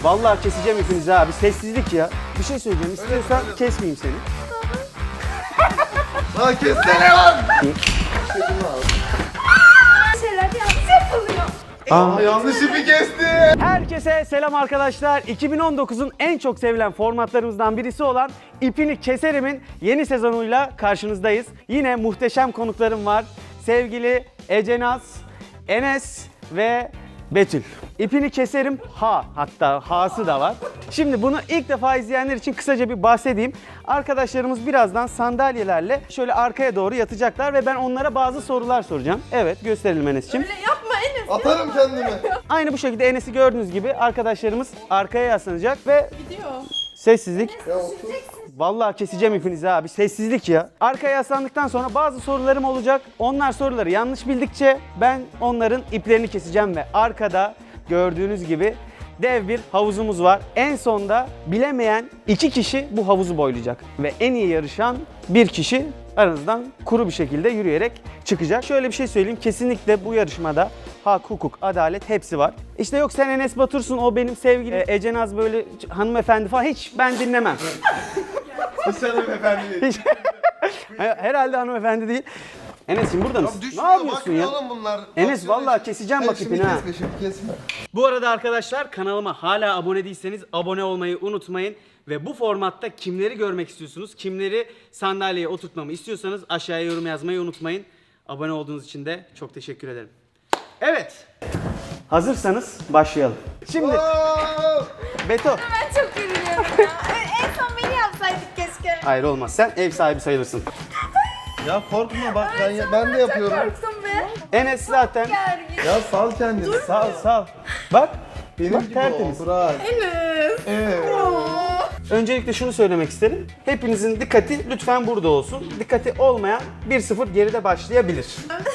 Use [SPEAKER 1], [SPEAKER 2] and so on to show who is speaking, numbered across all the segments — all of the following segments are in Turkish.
[SPEAKER 1] Vallahi keseceğim hepinizi abi. Sessizlik ya. Bir şey söyleyeceğim. İstiyorsan kesmeyeyim seni.
[SPEAKER 2] Lan kessene lan!
[SPEAKER 3] Şeyler yanlış yapılıyor.
[SPEAKER 2] Yanlış ipi kesti.
[SPEAKER 1] Herkese selam arkadaşlar. 2019'un en çok sevilen formatlarımızdan birisi olan İpini Keserim'in yeni sezonuyla karşınızdayız. Yine muhteşem konuklarım var. Sevgili Ecenaz, Enes ve Betül. İpini Keserim hatta Ha'sı da var. Şimdi bunu ilk defa izleyenler için kısaca bir bahsedeyim. Arkadaşlarımız birazdan sandalyelerle şöyle arkaya doğru yatacaklar ve ben onlara bazı sorular soracağım. Evet, gösterelim Enes'ciğim.
[SPEAKER 3] Öyle yapma Enes.
[SPEAKER 2] Atarım kendimi.
[SPEAKER 1] Aynı bu şekilde Enes'i gördüğünüz gibi arkadaşlarımız arkaya yaslanacak ve
[SPEAKER 3] Gidiyor.
[SPEAKER 1] sessizlik. Vallahi keseceğim hepinizi abi. Sessizlik ya. Arkaya yaslandıktan sonra bazı sorularım olacak. Onlar soruları yanlış bildikçe ben onların iplerini keseceğim ve arkada gördüğünüz gibi dev bir havuzumuz var. En sonda bilemeyen 2 kişi bu havuzu boylayacak ve en iyi yarışan bir kişi aranızdan kuru bir şekilde yürüyerek çıkacak. Şöyle bir şey söyleyeyim. Kesinlikle bu yarışmada hak, hukuk, adalet hepsi var. İşte yok sen Enes Batur'sun, o benim sevgilim. Ecenaz böyle hanımefendi falan, hiç ben dinlemem.
[SPEAKER 2] Hiç hanımefendi değil.
[SPEAKER 1] Hiç. Herhalde hanımefendi değil. Enes'im burada mısın?
[SPEAKER 2] Düşmüyor,
[SPEAKER 1] Ne yapıyorsun
[SPEAKER 2] bakmıyor
[SPEAKER 1] ya?
[SPEAKER 2] oğlum bunlar.
[SPEAKER 1] Enes
[SPEAKER 2] Basıyor
[SPEAKER 1] vallahi
[SPEAKER 2] işte.
[SPEAKER 1] keseceğim bak
[SPEAKER 2] Şimdi
[SPEAKER 1] ipini ha.
[SPEAKER 2] kesme, şimdi kesme.
[SPEAKER 1] Bu arada arkadaşlar kanalıma hala abone değilseniz abone olmayı unutmayın. Ve bu formatta kimleri görmek istiyorsunuz, kimleri sandalyeye oturtmamı istiyorsanız aşağıya yorum yazmayı unutmayın. Abone olduğunuz için de çok teşekkür ederim. Evet. Hazırsanız başlayalım. Şimdi
[SPEAKER 2] Oo!
[SPEAKER 1] Beto.
[SPEAKER 3] Ben çok üzülüyorum ya. En son beni yapsaydık keşke.
[SPEAKER 1] Hayır olmaz. Sen ev sahibi sayılırsın.
[SPEAKER 2] Ya korkma bak ben de yapıyorum.
[SPEAKER 3] Korktum be.
[SPEAKER 1] Enes zaten.
[SPEAKER 3] Gergin.
[SPEAKER 2] Ya sal kendini.
[SPEAKER 1] Sal. Bak.
[SPEAKER 2] Benim
[SPEAKER 1] Bak
[SPEAKER 2] gibi
[SPEAKER 1] tertemiz.
[SPEAKER 2] ol. Bırak.
[SPEAKER 3] Enes.
[SPEAKER 2] Evet.
[SPEAKER 1] Öncelikle şunu söylemek isterim. Hepinizin dikkati lütfen burada olsun. Dikkati olmayan 1-0 geride başlayabilir.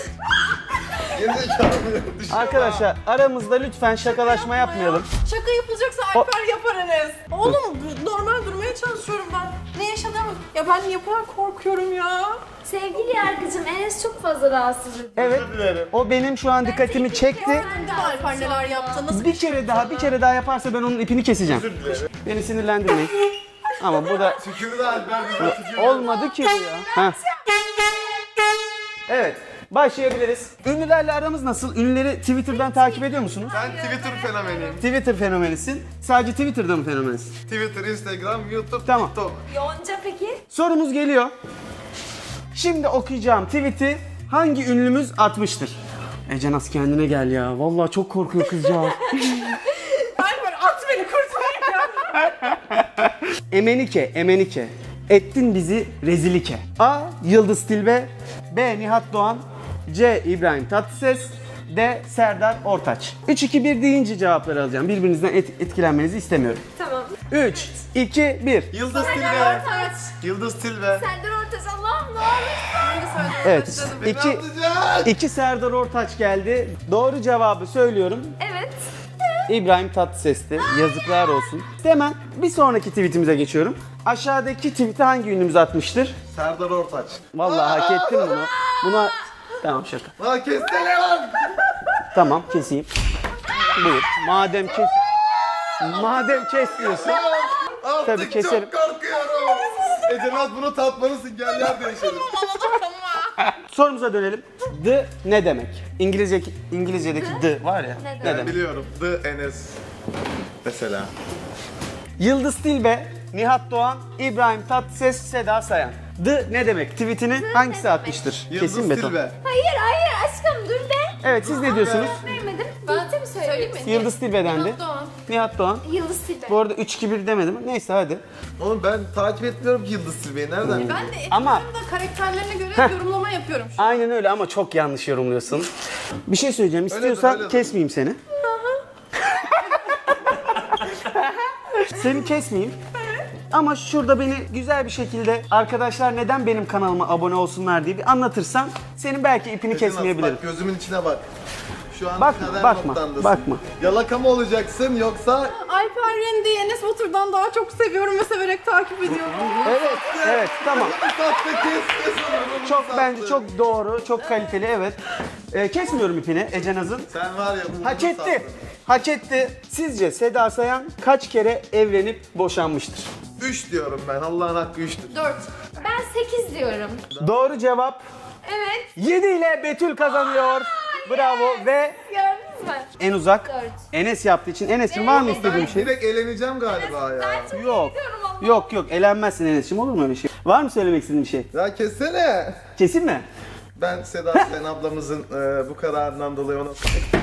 [SPEAKER 2] Gerizekalı. Düşme.
[SPEAKER 1] Arkadaşlar aramızda lütfen şakalaşma yapmayalım.
[SPEAKER 3] Şaka yapılacaksa Alper yapar Enes. Oğlum normal durmaya çalışıyorum ben. Ne yaşadığımı... Ya ben niye bu kadar korkuyorum ya?
[SPEAKER 4] Sevgili yargıcım, Enes çok fazla rahatsız ediyor.
[SPEAKER 1] Evet. O benim şu an dikkatimi çekti.
[SPEAKER 3] Sen de Alper neler yaptı? Nasıl
[SPEAKER 1] Bir kere daha yaparsa ben onun ipini keseceğim. Beni sinirlendirmeyin. Ama bu da
[SPEAKER 2] Tükürdü Alper bize tükürdü.
[SPEAKER 1] olmadı ki bu ya. Heh. Evet. Başlayabiliriz. Ünlülerle aramız nasıl? Ünlüleri Twitter'dan takip ediyor musunuz?
[SPEAKER 2] Ben Twitter fenomeniyim.
[SPEAKER 1] Twitter fenomenisin. Sadece Twitter'da mı fenomensin?
[SPEAKER 2] Twitter, Instagram, YouTube,
[SPEAKER 1] Tamam.
[SPEAKER 2] TikTok.
[SPEAKER 4] Yonca peki?
[SPEAKER 1] Sorumuz geliyor. Şimdi okuyacağım tweet'i hangi ünlümüz atmıştır? Ecenaz kendine gel ya. Vallahi çok korkuyor kızcağız.
[SPEAKER 3] Alper at beni kurtar ya.
[SPEAKER 1] Emenike. Ettin bizi rezilike. A. Yıldız Tilbe. B. Nihat Doğan. C. İbrahim Tatlıses. D. Serdar Ortaç. 3-2-1 deyince cevapları alacağım. Birbirinizden etkilenmenizi istemiyorum.
[SPEAKER 4] Tamam.
[SPEAKER 1] 3, 2, 1.
[SPEAKER 2] Yıldız Tilbe.
[SPEAKER 3] Ortaç.
[SPEAKER 2] Yıldız Tilbe.
[SPEAKER 4] Serdar Ortaç, Allah'ım ne olur.
[SPEAKER 3] Ben de söyledim.
[SPEAKER 1] Evet.
[SPEAKER 2] Beni
[SPEAKER 1] 2
[SPEAKER 2] atacak.
[SPEAKER 1] 2 Serdar Ortaç geldi. Doğru cevabı söylüyorum.
[SPEAKER 4] Evet.
[SPEAKER 1] İbrahim Tatlıses'ti. Yazıklar olsun. Hemen bir sonraki tweetimize geçiyorum. Aşağıdaki tweet'i hangi ünlümüz atmıştır?
[SPEAKER 2] Serdar Ortaç.
[SPEAKER 1] Vallahi hak ettim bunu. Buna tamam şaka.
[SPEAKER 2] Lan kessene lan.
[SPEAKER 1] Tamam keseyim. Buyur. Madem kes diyorsun.
[SPEAKER 2] Artık
[SPEAKER 1] Tabii keserim.
[SPEAKER 2] çok korkuyorum. Ecenaz bunu tatmalısın, gel yer değişelim.
[SPEAKER 1] Sorumuza dönelim. The ne demek? İngilizce'deki the var ya.
[SPEAKER 4] Ne
[SPEAKER 1] Ne
[SPEAKER 2] Ben
[SPEAKER 1] demek?
[SPEAKER 2] biliyorum. The Enes. Mesela.
[SPEAKER 1] Yıldız Tilbe, Nihat Doğan, İbrahim Tatlıses, Seda Sayan. The ne demek? Tweetini hangisi atmıştır?
[SPEAKER 2] Yıldız
[SPEAKER 1] Kesin beton.
[SPEAKER 2] Tilbe.
[SPEAKER 4] Hayır aşkım dur be.
[SPEAKER 1] Evet siz ne diyorsunuz?
[SPEAKER 4] Vermedim.
[SPEAKER 3] Ben
[SPEAKER 4] Bitti mi
[SPEAKER 3] söyleyeyim mi?
[SPEAKER 1] Yıldız Tilbe dendi.
[SPEAKER 3] Doğan.
[SPEAKER 1] Nihat Doğan.
[SPEAKER 4] Yıldız Tilbe.
[SPEAKER 1] Bu arada 3-2-1 demedim. Neyse hadi.
[SPEAKER 2] Oğlum ben takip etmiyorum ki Yıldız Tilbe'yi. Nereden
[SPEAKER 3] Ben
[SPEAKER 2] biliyorsun?
[SPEAKER 3] de
[SPEAKER 1] Ama-
[SPEAKER 3] ekranlarımda karakterlerine göre yorumlama yapıyorum.
[SPEAKER 1] Aynen öyle ama çok yanlış yorumluyorsun. Bir şey söyleyeceğim.
[SPEAKER 2] Öyledir,
[SPEAKER 1] İstiyorsan
[SPEAKER 2] öyledir.
[SPEAKER 1] kesmeyeyim seni. Seni kesmeyeyim. Ama şurada beni güzel bir şekilde arkadaşlar neden benim kanalıma abone olsunlar diye bir anlatırsan senin belki ipini
[SPEAKER 2] Ecenaz,
[SPEAKER 1] kesmeyebilirim.
[SPEAKER 2] Bak gözümün içine bak. Şu an
[SPEAKER 1] Bakma,
[SPEAKER 2] kader
[SPEAKER 1] bakma,
[SPEAKER 2] noktandasın.
[SPEAKER 1] bakma.
[SPEAKER 2] Yalaka mı olacaksın yoksa
[SPEAKER 3] Alper Rendi'yi Enes Batur'dan daha çok seviyorum ve severek takip ediyorum.
[SPEAKER 1] Evet tamam.
[SPEAKER 2] sattı kes onu.
[SPEAKER 1] Çok bence çok doğru, çok kaliteli evet. Kesmiyorum ipini Ecenaz'ın.
[SPEAKER 2] Sen var ya bunu
[SPEAKER 1] Hak etti. hak etti. Sizce Seda Sayan kaç kere evlenip boşanmıştır?
[SPEAKER 2] 3 diyorum ben. Allah'ın hakkı 3'tür.
[SPEAKER 3] 4.
[SPEAKER 4] Ben 8 diyorum.
[SPEAKER 1] Doğru cevap
[SPEAKER 3] Evet.
[SPEAKER 1] 7 ile Betül kazanıyor. Bravo ve
[SPEAKER 4] Gördünüz mü?
[SPEAKER 1] en uzak
[SPEAKER 4] 4.
[SPEAKER 1] Enes yaptığı için. Enes'cim var mı istediğin bir şey?
[SPEAKER 2] Direkt eğleneceğim galiba ya.
[SPEAKER 1] Yok. Yok yok elenmezsin Enes'cim, olur mu öyle şey? Var mı söylemek istediğin bir şey?
[SPEAKER 2] Ya kessene.
[SPEAKER 1] Kesin mi?
[SPEAKER 2] Ben Seda Sayan ablamızın bu kararından dolayı ona...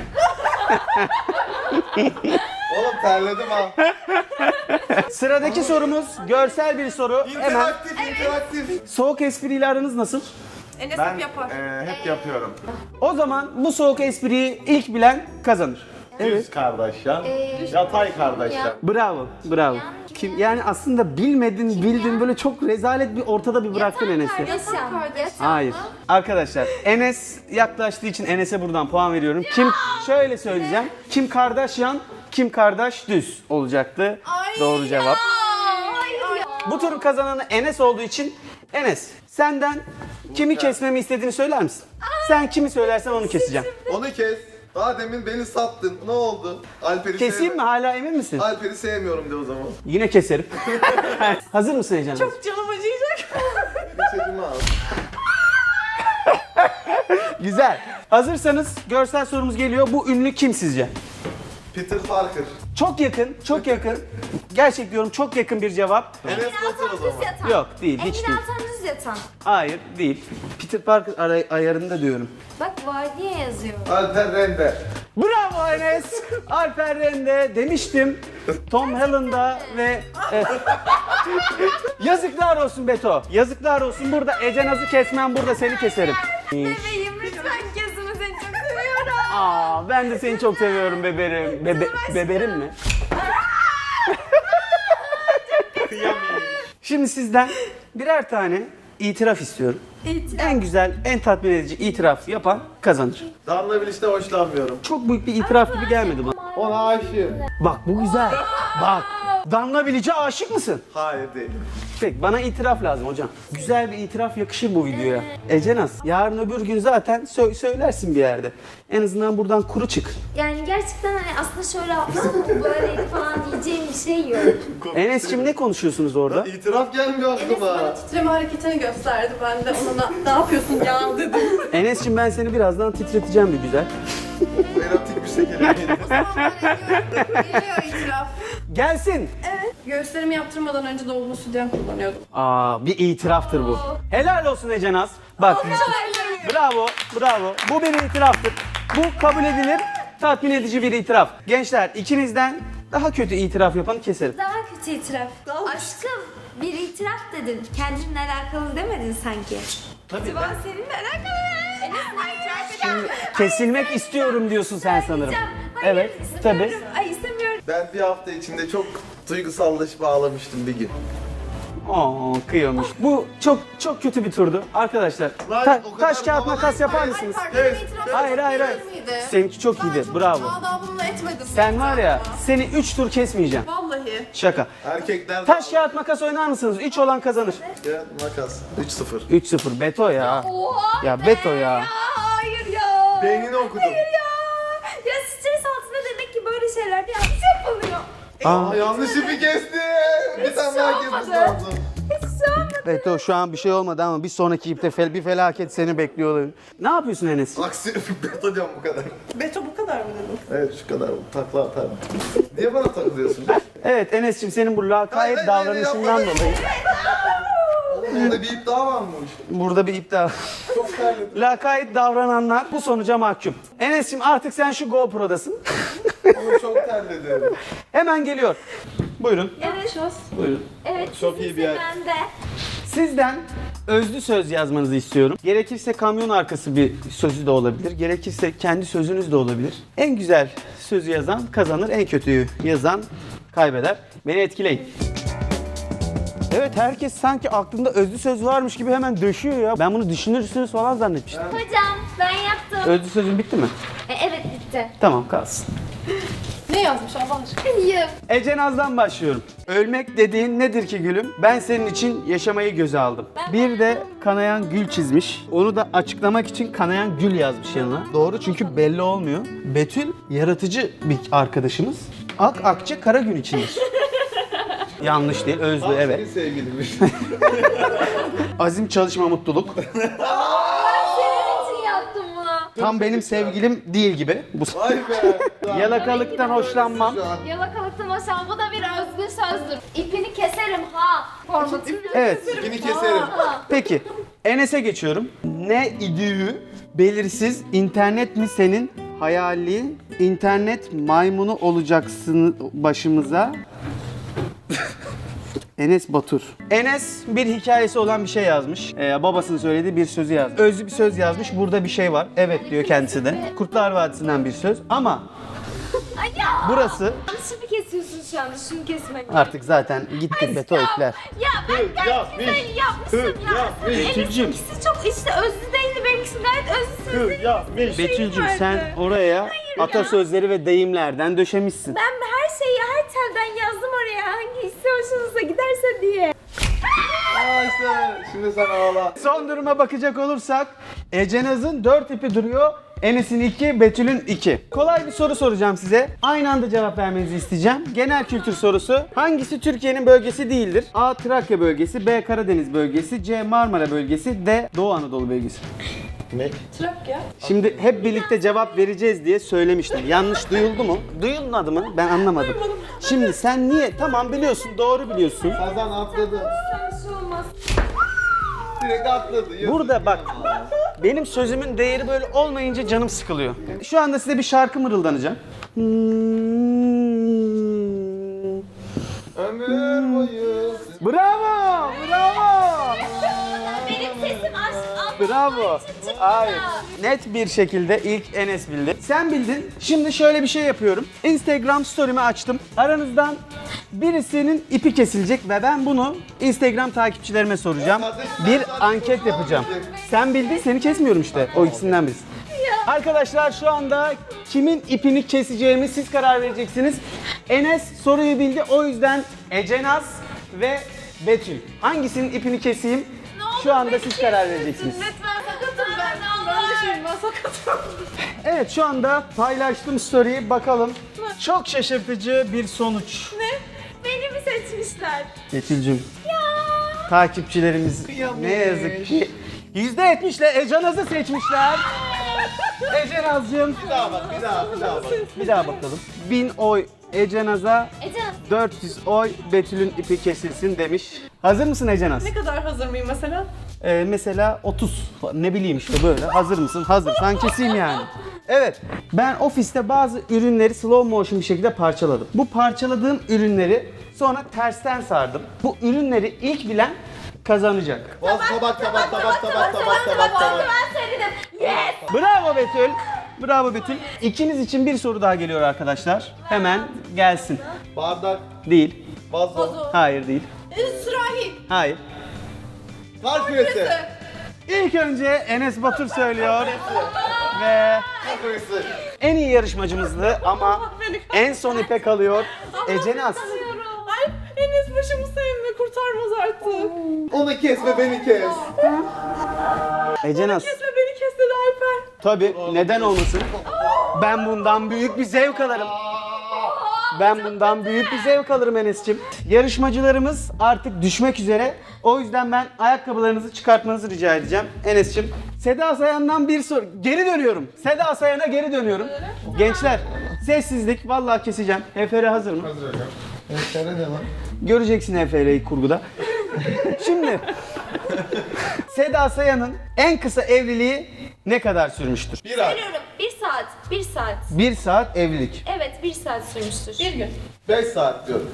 [SPEAKER 2] Oğlum terledim ha.
[SPEAKER 1] Sıradaki sorumuz görsel bir soru. Hemen
[SPEAKER 2] interaktif.
[SPEAKER 1] soğuk espriyle aranız nasıl?
[SPEAKER 3] Enes
[SPEAKER 2] Ben
[SPEAKER 3] hep yapar.
[SPEAKER 2] hep yapıyorum.
[SPEAKER 1] O zaman bu soğuk espriyi ilk bilen kazanır.
[SPEAKER 2] Düz kardeşler, yatay kardeşler.
[SPEAKER 1] Bravo, bravo. Kim yani aslında bilmedin, bildin böyle çok rezalet bir ortada bir bıraktın Enes'i.
[SPEAKER 4] Kardeşim.
[SPEAKER 3] kardeş.
[SPEAKER 1] Hayır. Arkadaşlar Enes yaklaştığı için Enes'e buradan puan veriyorum. Kim şöyle söyleyeceğim. Kim Kardashian, kim kardeş düz olacaktı.
[SPEAKER 3] Ay
[SPEAKER 1] Doğru cevap.
[SPEAKER 4] Hayır ya.
[SPEAKER 1] Bu turun kazananı Enes olduğu için Enes senden kimi kesmemi istediğini söyler misin? Sen kimi söylersen onu keseceğim.
[SPEAKER 2] Onu kes. Daha demin beni sattın. Ne oldu? Alper'i
[SPEAKER 1] Keseyim mi? Hala emin misin?
[SPEAKER 2] Alper'i sevmiyorum de o zaman.
[SPEAKER 1] Yine keserim. Hazır mısın Ece?
[SPEAKER 3] Çok canım acıyacak.
[SPEAKER 2] İçerimi al.
[SPEAKER 1] Güzel. Hazırsanız görsel sorumuz geliyor. Bu ünlü kim sizce?
[SPEAKER 2] Peter Parker.
[SPEAKER 1] Çok yakın, çok yakın. Gerçek diyorum, çok yakın bir cevap.
[SPEAKER 2] Enes Batur o
[SPEAKER 4] Düz
[SPEAKER 2] zaman.
[SPEAKER 4] yatan.
[SPEAKER 1] Yok, değil, hiç
[SPEAKER 4] Engin
[SPEAKER 1] değil.
[SPEAKER 4] Altan düz yatan.
[SPEAKER 1] Hayır, değil. Peter Parker ayarında diyorum.
[SPEAKER 4] Bak var diye yazıyor.
[SPEAKER 2] Alper Rende.
[SPEAKER 1] Bravo Enes. Alper Rende demiştim. Tom Holland'a ve yazıklar olsun Beto. Yazıklar olsun. Burada Ece Naz'ı kesmem, burada seni keserim.
[SPEAKER 4] Bebeğim lütfen kesme, seni çok seviyorum.
[SPEAKER 1] Aa, ben de seni çok seviyorum beberim. Beberim mi? Şimdi sizden birer tane itiraf istiyorum. En güzel, en tatmin edici itiraf yapan kazanır.
[SPEAKER 2] Damla Biliş'te hoşlanmıyorum.
[SPEAKER 1] Çok büyük bir itiraf gibi gelmedi bana.
[SPEAKER 2] Ona aşığım.
[SPEAKER 1] Bak bu güzel. Bak. Danla Bilic'e aşık mısın?
[SPEAKER 2] Hayır değil.
[SPEAKER 1] Peki bana itiraf lazım hocam. Güzel bir itiraf yakışır bu videoya. Ece Naz, yarın öbür gün zaten söylersin bir yerde. En azından buradan kuru çık.
[SPEAKER 4] Yani gerçekten hani aslında şöyle yaptım ama böyleydi falan diyeceğim bir şey yok.
[SPEAKER 1] Enes'cim ne konuşuyorsunuz orada?
[SPEAKER 2] İtiraf gelmiyor
[SPEAKER 3] Enes
[SPEAKER 2] aklıma.
[SPEAKER 3] bana titreme hareketini gösterdi. Ben de ona ne yapıyorsun ya dedim.
[SPEAKER 1] Enes'cim ben seni birazdan titreteceğim bir güzel.
[SPEAKER 2] Erotik bir şekilde geliyor.
[SPEAKER 3] Geliyor itiraf.
[SPEAKER 1] Gelsin.
[SPEAKER 3] Evet. Göğüslerimi yaptırmadan önce dolgu sütyen kullanıyordum.
[SPEAKER 1] Aa, bir itiraftır bu. Helal olsun Ece Naz. Bak. Bravo, bravo. Bu bir itiraftır. Bu kabul edilir, tatmin edici bir itiraf. Gençler, ikinizden daha kötü itiraf yapanı keserim.
[SPEAKER 4] Daha kötü itiraf. Aşkım bir itiraf dedin. Kendinle alakalı demedin sanki.
[SPEAKER 1] Tabii.
[SPEAKER 3] Ben seninle alakalı.
[SPEAKER 1] Kesilmek istiyorum diyorsun sen sanırım.
[SPEAKER 4] Hayır,
[SPEAKER 1] Evet,
[SPEAKER 4] istemiyorum.
[SPEAKER 1] tabii.
[SPEAKER 4] Ay istemiyorum.
[SPEAKER 2] Ben bir hafta içinde çok duygusallaşıp ağlamıştım bir gün.
[SPEAKER 1] Oo, kıyıyormuş. Bu çok kötü bir turdu. Arkadaşlar,
[SPEAKER 2] Lan, o kadar
[SPEAKER 1] taş kağıt
[SPEAKER 2] havalı-
[SPEAKER 1] makas yapar mısınız?
[SPEAKER 2] Evet.
[SPEAKER 1] Hayır, hayır, hayır. Seninki çok iyiydi, bravo.
[SPEAKER 3] Adabımla etmedim.
[SPEAKER 1] Sen var ya, seni 3 tur kesmeyeceğim.
[SPEAKER 3] Vallahi.
[SPEAKER 1] Şaka.
[SPEAKER 2] Erkekler...
[SPEAKER 1] Taş kağıt makas oynar mısınız? 3 olan kazanır.
[SPEAKER 2] Ya, makas. 3-0.
[SPEAKER 1] 3-0. Beto ya.
[SPEAKER 4] Oha
[SPEAKER 1] Ya Beto ya.
[SPEAKER 4] hayır ya.
[SPEAKER 2] Beynini okudum.
[SPEAKER 4] Ya stres altında demek ki böyle şeyler yanlış yapılıyor.
[SPEAKER 2] Aa, yanlış ipi kesti. Bir tane daha kesmesi lazım.
[SPEAKER 4] Hiç olmadı.
[SPEAKER 1] Beto şu an bir şey olmadı ama bir sonraki ipte bir felaket seni bekliyor olabilir. Ne yapıyorsun Enes?
[SPEAKER 2] Aksi beto diyorum bu kadar.
[SPEAKER 3] Beto bu kadar mı dedim?
[SPEAKER 2] Evet şu kadar takla atarım. Niye bana takılıyorsun?
[SPEAKER 1] Evet Enes'cim senin bu lakayt
[SPEAKER 2] Hayır,
[SPEAKER 1] davranışından
[SPEAKER 2] hayır,
[SPEAKER 1] dolayı
[SPEAKER 2] Orada bir ip daha varmış.
[SPEAKER 1] burada bir iptal.
[SPEAKER 2] Çok terledim.
[SPEAKER 1] Lakayt davrananlar bu sonuca mahkum. Enes'cim artık sen şu GoPro'dasın.
[SPEAKER 2] Onu çok terledim.
[SPEAKER 1] Hemen geliyor. Buyurun.
[SPEAKER 4] Evet.
[SPEAKER 1] Buyurun.
[SPEAKER 4] Evet.
[SPEAKER 2] Çok iyi bir yer.
[SPEAKER 4] Ben de.
[SPEAKER 1] Sizden özlü söz yazmanızı istiyorum. Gerekirse kamyon arkası bir sözü de olabilir. Gerekirse kendi sözünüz de olabilir. En güzel sözü yazan kazanır. En kötüyü yazan kaybeder. Beni etkileyin. Evet herkes sanki aklında özlü söz varmış gibi hemen döşüyor ya. Ben bunu düşünürsünüz falan zannetmiştim.
[SPEAKER 4] Hocam ben yaptım.
[SPEAKER 1] Özlü sözün bitti mi?
[SPEAKER 4] Evet bitti.
[SPEAKER 1] Tamam kalsın.
[SPEAKER 3] Ne yazmış Allah aşkına?
[SPEAKER 4] Hayır.
[SPEAKER 1] Ece Naz'dan başlıyorum. Ölmek dediğin nedir ki gülüm? Ben senin için yaşamayı göze aldım. Bir de kanayan gül çizmiş. Onu da açıklamak için kanayan gül yazmış yanına. Doğru, çünkü belli olmuyor. Betül yaratıcı bir arkadaşımız. Ak akçe kara gün içindir. Yanlış değil, özlü,
[SPEAKER 2] Senin
[SPEAKER 1] evet.
[SPEAKER 2] sevgilinmiş.
[SPEAKER 1] Azim, çalışma, mutluluk.
[SPEAKER 4] Senin için yaptım bunu.
[SPEAKER 1] Tam benim sevgilim değil gibi. Bu
[SPEAKER 2] Vay be.
[SPEAKER 1] yalakalıktan hoşlanmam.
[SPEAKER 2] Şu an.
[SPEAKER 4] Yalakalıktan hoşlan. Bu da bir özgür sözdür. İpini keserim ha. Formatını.
[SPEAKER 1] Evet.
[SPEAKER 2] İpini keserim.
[SPEAKER 1] Peki, Enes'e geçiyorum. Ne idüğü belirsiz, internet mi senin hayali, internet maymunu olacaksın başımıza. Enes Batur. Enes bir hikayesi olan bir şey yazmış. Babasının söylediği bir sözü yazmış. Özlü bir söz yazmış. Burada bir şey var. Evet diyor kendisi de. Kurtlar Vadisi'nden bir söz. Ama
[SPEAKER 4] Ay ya.
[SPEAKER 1] burası
[SPEAKER 4] Yanlışını kesiyorsun şu anda. Şunu kesmek.
[SPEAKER 1] artık zaten gitti beto ipler.
[SPEAKER 4] Ya ben gayet güzel yapmışsın ya.
[SPEAKER 1] Betül'cüm.
[SPEAKER 4] İkisi çok işte özlü değildi. Benimkisi gayet özlüsüz.
[SPEAKER 1] Betül'cüm sen oraya atasözleri ve deyimlerden döşemişsin.
[SPEAKER 4] Ben her şeyi her telden yazdım oraya. Hangisi hoşunuza giderse diye.
[SPEAKER 2] Aa işte şimdi sen ağla.
[SPEAKER 1] Son duruma bakacak olursak Ecenaz'ın 4 ipi duruyor. Enes'in 2, Betül'ün 2. Kolay bir soru soracağım size. Aynı anda cevap vermenizi isteyeceğim. Genel kültür sorusu. Hangisi Türkiye'nin bölgesi değildir? A. Trakya bölgesi, B. Karadeniz bölgesi, C. Marmara bölgesi, D. Doğu Anadolu bölgesi.
[SPEAKER 2] Ne?
[SPEAKER 3] Trakya.
[SPEAKER 1] Şimdi hep birlikte cevap vereceğiz diye söylemiştim. Yanlış duyuldu mu? Duyulmadı mı? Ben anlamadım. Şimdi sen niye? Tamam biliyorsun, doğru biliyorsun.
[SPEAKER 2] Kazan atladı.
[SPEAKER 4] Bir şey olmaz.
[SPEAKER 2] Direkt atladı. Yazık
[SPEAKER 1] Burada bak,
[SPEAKER 2] ya.
[SPEAKER 1] benim sözümün değeri böyle olmayınca canım sıkılıyor. Şu anda size bir şarkı mırıldanacağım.
[SPEAKER 2] Ömür boyu.
[SPEAKER 1] Bravo! Bravo!
[SPEAKER 4] Benim sesim aç.
[SPEAKER 1] Bravo! Hayır. Net bir şekilde ilk Enes bildi. Sen bildin. Şimdi şöyle bir şey yapıyorum. Instagram story'mi açtım. Aranızdan birisinin ipi kesilecek ve ben bunu Instagram takipçilerime soracağım. Bir anket yapacağım. Sen bildin, seni kesmiyorum işte. O ikisinden birisi. Arkadaşlar şu anda kimin ipini keseceğimi siz karar vereceksiniz. Enes soruyu bildi, o yüzden Ecenaz ve Betül. Hangisinin ipini keseyim? Şu anda siz karar vereceksiniz.
[SPEAKER 3] Lütfen sakatım ben. Ben düşeyim, ben sakatım.
[SPEAKER 1] Evet, şu anda paylaştım story'i, bakalım. Çok şaşırtıcı bir sonuç.
[SPEAKER 4] Beni mi seçmişler?
[SPEAKER 1] Betül'cüm. Takipçilerimiz ne yazık ki %70'le Ecenaz'ı seçmişler. Ecenaz'cığım.
[SPEAKER 2] Bir daha bak, bir daha bak.
[SPEAKER 1] Bir daha bakalım. 1000 oy Ecenaz'a,
[SPEAKER 4] Ecenaz.
[SPEAKER 1] 400 oy Betül'ün ipi kesilsin demiş. Hazır mısın Ecenaz?
[SPEAKER 3] Ne kadar hazır mıyım mesela?
[SPEAKER 1] Mesela 30. Ne bileyim işte böyle. Hazır mısın? Hazırsan keseyim yani. Evet. Ben ofiste bazı ürünleri slow motion bir şekilde parçaladım. Bu parçaladığım ürünleri sonra tersten sardım. Bu ürünleri ilk bilen kazanacak.
[SPEAKER 2] Bas tabak.
[SPEAKER 4] Ben söyledim. Yes.
[SPEAKER 1] Bravo Betül. Bravo Betül. İkiniz için bir soru daha geliyor arkadaşlar. Hemen gelsin.
[SPEAKER 2] Bardak.
[SPEAKER 1] Değil.
[SPEAKER 2] Vazo.
[SPEAKER 1] Hayır değil.
[SPEAKER 3] Sürahi.
[SPEAKER 1] Hayır.
[SPEAKER 2] Kar küresi.
[SPEAKER 1] İlk önce Enes Batur söylüyor. Ve
[SPEAKER 2] Kar küresi.
[SPEAKER 1] en iyi yarışmacımızdı ama en son ipe kalıyor Ecenaz.
[SPEAKER 3] Ay Enes başımı sevme, kurtarmaz artık.
[SPEAKER 2] Onu kes ve beni kes.
[SPEAKER 1] Ecenaz.
[SPEAKER 3] Kesme beni kes dedi Alper.
[SPEAKER 1] Tabii, neden olmasın? Ben bundan büyük bir zevk alırım. Ben bundan büyük bir zevk alırım Enes'ciğim. Yarışmacılarımız artık düşmek üzere. O yüzden ben ayakkabılarınızı çıkartmanızı rica edeceğim. Enes'ciğim. Seda Sayan'dan bir soru. Geri dönüyorum. Seda Sayan'a geri dönüyorum. Gençler, sessizlik. Vallahi keseceğim. HFR hazır mı?
[SPEAKER 2] Hazır hocam. Eşlere ne lan?
[SPEAKER 1] Göreceksin HFR'yi kurguda. Şimdi Seda Sayan'ın en kısa evliliği ne kadar sürmüştür?
[SPEAKER 2] Bir ay.
[SPEAKER 4] Söylüyorum. 1 saat. 1 saat.
[SPEAKER 1] 1 saat evlilik.
[SPEAKER 4] Evet 1 saat sürmüştür.
[SPEAKER 3] Bir gün.
[SPEAKER 2] 5 saat diyorum.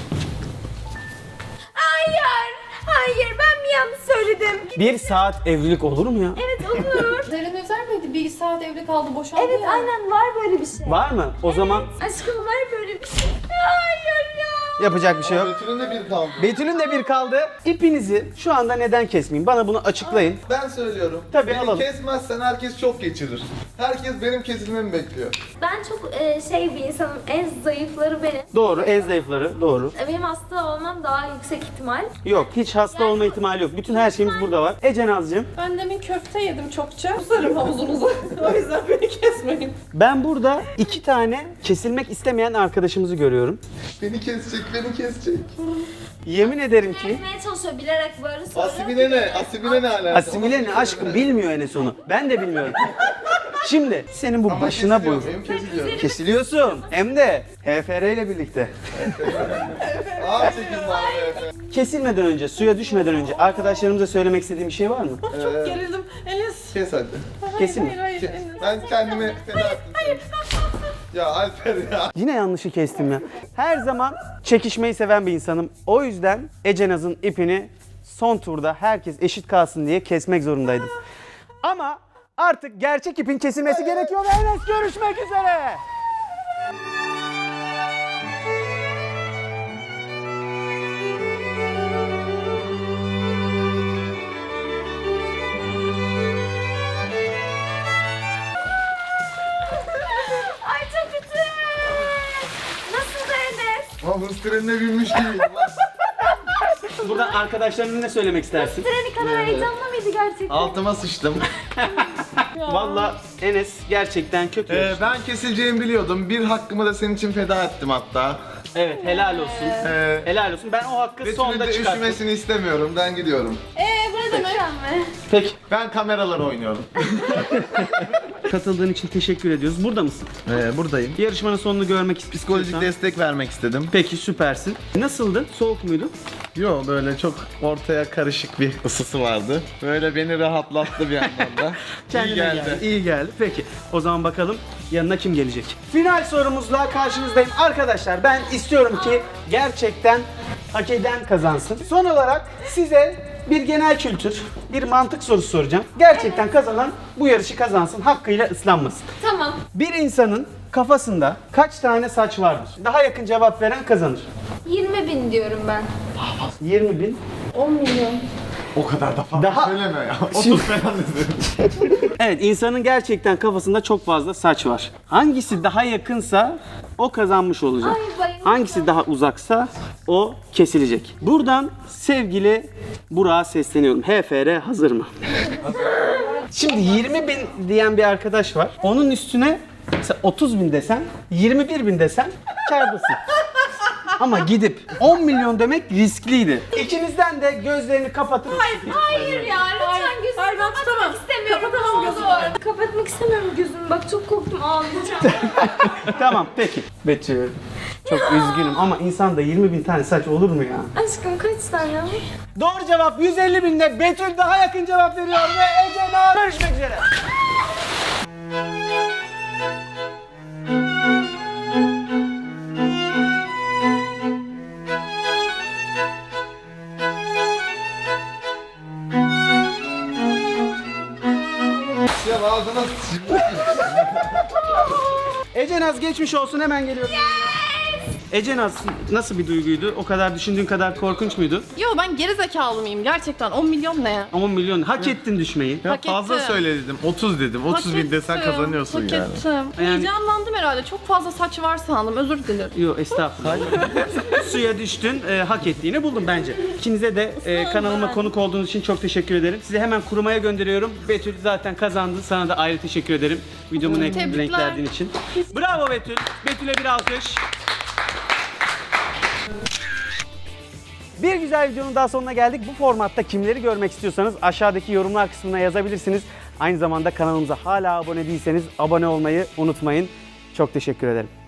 [SPEAKER 4] Hayır. Hayır ben mi yanlış söyledim?
[SPEAKER 1] 1 saat evlilik olur mu ya?
[SPEAKER 4] Evet olur.
[SPEAKER 3] Derin Özer miydi? Bir saat evli kaldı, boşandı
[SPEAKER 4] Evet aynen var böyle bir şey.
[SPEAKER 1] Var mı? O zaman
[SPEAKER 4] Aşkım var böyle bir şey. Hayır ya.
[SPEAKER 1] Yapacak bir şey yok.
[SPEAKER 2] Betül'ün de bir kaldı.
[SPEAKER 1] Betül'ün de bir kaldı. İpinizi şu anda neden kesmeyeyim? Bana bunu açıklayın.
[SPEAKER 2] Ben söylüyorum.
[SPEAKER 1] Tabii,
[SPEAKER 2] Beni
[SPEAKER 1] alalım.
[SPEAKER 2] kesmezsen herkes çok geçirir. Herkes benim kesilmemi bekliyor.
[SPEAKER 4] Ben çok şey bir insanım. En zayıfları benim.
[SPEAKER 1] Doğru, en zayıfları doğru.
[SPEAKER 4] Benim hasta olmam daha yüksek ihtimal.
[SPEAKER 1] Yok, hiç hasta olma ihtimali yok. Bütün her şeyimiz burada var. Ece Nazcığım,
[SPEAKER 3] Ben demin köfte yedim çokça. Usarım havuzunuza. O yüzden beni kesmeyin.
[SPEAKER 1] ben burada 2 tane kesilmek istemeyen arkadaşımızı görüyorum.
[SPEAKER 2] Beni kesecek, beni kesecek.
[SPEAKER 1] Yemin ederim ki
[SPEAKER 4] Kesmeye çalışıyor bilerek böyle soruyor.
[SPEAKER 2] Asibine ne? Asibine ne alaka?
[SPEAKER 1] asimile ne aşkım bilmiyor en sonu. Ben de bilmiyorum. Şimdi senin bu
[SPEAKER 2] Ama
[SPEAKER 1] başına
[SPEAKER 2] kesiliyor,
[SPEAKER 1] bu.
[SPEAKER 2] benim kesiliyor.
[SPEAKER 1] Kesiliyorsun. Hem de HFR ile birlikte.
[SPEAKER 2] Ağır çekim var be.
[SPEAKER 1] Kesilmeden önce, suya düşmeden önce arkadaşlarımıza söylemek istediğim bir şey var mı?
[SPEAKER 3] Çok gerildim. Enes.
[SPEAKER 2] Kes hadi.
[SPEAKER 1] Kesin mi?
[SPEAKER 3] Hayır Enes.
[SPEAKER 2] Ben kendimi feda ettim. Ya Alper ya.
[SPEAKER 1] Yine yanlışı kestim ya. Her zaman çekişmeyi seven bir insanım. O yüzden Ece Naz'ın ipini son turda herkes eşit kalsın diye kesmek zorundaydım. Ama artık gerçek ipin kesilmesi gerekiyor ve Enes görüşmek üzere.
[SPEAKER 4] Ay çok kötü. Nasıl da Enes?
[SPEAKER 2] Ama hırs trenine binmiş gibiyim lan.
[SPEAKER 1] Buradan arkadaşlarına ne söylemek istersin?
[SPEAKER 4] Treni kadar heyecanlı mıydı gerçekten?
[SPEAKER 2] Altıma sıçtım.
[SPEAKER 1] Valla Enes gerçekten kötü.
[SPEAKER 2] Ben kesileceğimi biliyordum. Bir hakkımı da senin için feda ettim hatta.
[SPEAKER 1] Evet, helal olsun. Helal olsun. Ben o hakkı
[SPEAKER 2] Betül'ün
[SPEAKER 1] sonda
[SPEAKER 2] de
[SPEAKER 1] çıkarttım.
[SPEAKER 2] üşümesini istemiyorum. Ben gidiyorum.
[SPEAKER 3] Bu ne demek?
[SPEAKER 4] mi?
[SPEAKER 1] Peki.
[SPEAKER 2] Ben kameralara oynuyorum.
[SPEAKER 1] Katıldığın için teşekkür ediyoruz. Burada mısın?
[SPEAKER 2] Buradayım.
[SPEAKER 1] Yarışmanın sonunu görmek
[SPEAKER 2] Psikolojik
[SPEAKER 1] istiyorsan.
[SPEAKER 2] destek vermek istedim.
[SPEAKER 1] Peki, süpersin. Nasıldı? Soğuk muydu?
[SPEAKER 2] Yo, böyle çok ortaya karışık bir ısısı vardı. Böyle beni rahatlattı bir yandan da. İyi geldi.
[SPEAKER 1] İyi geldi. Peki. O zaman bakalım yanına kim gelecek? Final sorumuzla karşınızdayım. Arkadaşlar ben istiyorum ki gerçekten hak eden kazansın. Son olarak size bir genel kültür, bir mantık sorusu soracağım. Gerçekten kazanan bu yarışı kazansın, hakkıyla ıslanmasın.
[SPEAKER 4] Tamam.
[SPEAKER 1] Bir insanın kafasında kaç tane saç vardır? Daha yakın cevap veren kazanır.
[SPEAKER 4] 20.000 diyorum ben.
[SPEAKER 1] 20.000.
[SPEAKER 4] 10 milyon.
[SPEAKER 2] O kadar da fazla
[SPEAKER 1] Daha-
[SPEAKER 2] söyleme ya. 30 falan dedim.
[SPEAKER 1] Evet, insanın gerçekten kafasında çok fazla saç var. Hangisi daha yakınsa o kazanmış olacak.
[SPEAKER 4] Ay, bayıldım.
[SPEAKER 1] Hangisi daha uzaksa o kesilecek. Buradan sevgili Burak'a sesleniyorum. HFR hazır mı? Şimdi 20.000 diyen bir arkadaş var. Onun üstüne mesela 30.000 desen, 21.000 desen kârdasın. Ama gidip 10 milyon demek riskliydi. İkinizden de gözlerini kapatıp...
[SPEAKER 4] Hayır ya lütfen gözümü
[SPEAKER 3] Hayır, ben
[SPEAKER 4] kapatmak
[SPEAKER 3] tutamam.
[SPEAKER 4] istemiyorum.
[SPEAKER 3] Kapatamam
[SPEAKER 4] Ne
[SPEAKER 3] gözümü.
[SPEAKER 4] olur. Kapatmak istemiyorum gözümü. Bak çok korktum ağlayacağım.
[SPEAKER 1] Tamam, peki. Betül, çok üzgünüm ama insanda 20.000 tane saç olur mu ya?
[SPEAKER 4] Aşkım kaç tane?
[SPEAKER 1] Doğru cevap 150.000'de Betül daha yakın cevap veriyor ve Ece Naz görüşmek üzere.
[SPEAKER 2] Ya ağzına sıçayım.
[SPEAKER 1] Ece Naz geçmiş olsun, hemen geliyorum. Ece Naz nasıl bir duyguydu? O kadar düşündüğün kadar korkunç muydu?
[SPEAKER 3] Yo ben geri zekalı mıyım gerçekten? 10 milyon ne ya?
[SPEAKER 1] 10 milyon hak ettin düşmeyi.
[SPEAKER 2] Ya
[SPEAKER 3] Hak
[SPEAKER 2] fazla
[SPEAKER 3] ettim.
[SPEAKER 2] söyle dedim. 30 dedim. 30 bin desen
[SPEAKER 3] Hak ettim,
[SPEAKER 2] kazanıyorsun
[SPEAKER 3] hak
[SPEAKER 2] yani.
[SPEAKER 3] ettim.
[SPEAKER 1] Yani-
[SPEAKER 3] Heyecanlandım herhalde. Çok fazla saç var sandım. Özür dilerim.
[SPEAKER 1] Yok, estağfurullah. Suya düştün, hak ettiğini buldum bence. İkinize de kanalıma
[SPEAKER 3] ben.
[SPEAKER 1] konuk olduğunuz için çok teşekkür ederim. Sizi hemen kurumaya gönderiyorum. Betül zaten kazandı. Sana da ayrı teşekkür ederim. Videomu
[SPEAKER 3] Tebrikler.
[SPEAKER 1] renklerdiğin için. Bravo Betül. Betül'e bir alkış. Bir güzel videonun daha sonuna geldik. Bu formatta kimleri görmek istiyorsanız aşağıdaki yorumlar kısmına yazabilirsiniz. Aynı zamanda kanalımıza hala abone değilseniz abone olmayı unutmayın. Çok teşekkür ederim.